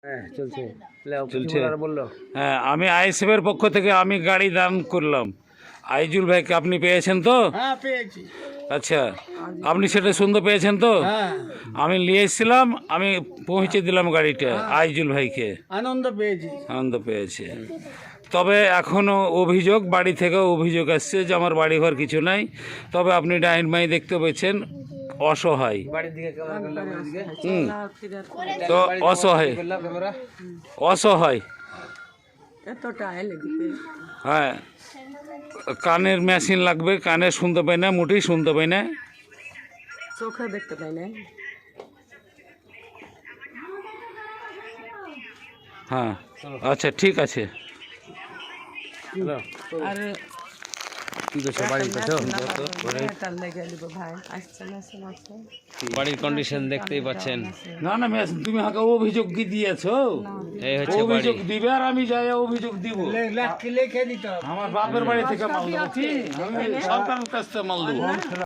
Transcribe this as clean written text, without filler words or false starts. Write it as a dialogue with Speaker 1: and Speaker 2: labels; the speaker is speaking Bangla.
Speaker 1: হ্যাঁ চলছে
Speaker 2: চলছে।
Speaker 1: বললো।
Speaker 2: হ্যাঁ, আমি আইএসএফের পক্ষ থেকে আমি গাড়ি দান করলাম আইজুল ভাইকে। আপনি পেয়েছেন তো?
Speaker 1: হ্যাঁ পেয়েছি।
Speaker 2: আচ্ছা, আপনি সেটা শুনতে পেয়েছেন তো?
Speaker 1: হ্যাঁ
Speaker 2: আমি নিয়ে এসেছিলাম, আমি পৌঁছে দিলাম গাড়িটা আইজুল ভাইকে।
Speaker 1: আনন্দ পেয়েছি।
Speaker 2: আনন্দ পেয়েছে। তবে এখনও অভিযোগ, বাড়ি থেকে অভিযোগ আসছে যে আমার বাড়ি ঘর কিছু নাই। তবে আপনি ডাইন মাই দেখতে পেয়েছেন, অসহায়।
Speaker 1: বাড়ির দিকে
Speaker 2: তো অসহায়, অসহায়। হ্যাঁ, কানের মেশিন লাগবে, কানে শুনতে পাই না, মোটেই শুনতে পাই না,
Speaker 3: চোখে দেখতে পাই না।
Speaker 2: হ্যাঁ আচ্ছা ঠিক আছে।
Speaker 3: আর
Speaker 4: বাড়ির কন্ডিশন দেখতেই পাচ্ছেন।
Speaker 2: না না মেশিন, তুমি আমাকে অভিযোগ কি দিয়েছো?
Speaker 4: এই হচ্ছে বাড়ি।
Speaker 2: অভিযোগ দিবে আর আমি যাই অভিযোগ দিব।
Speaker 1: লিখে দিতে হবে।
Speaker 2: আমার বাপের বাড়ি থেকে মাল দেবো কি? আমি সরকারের কাছ থেকে মাল দেবো।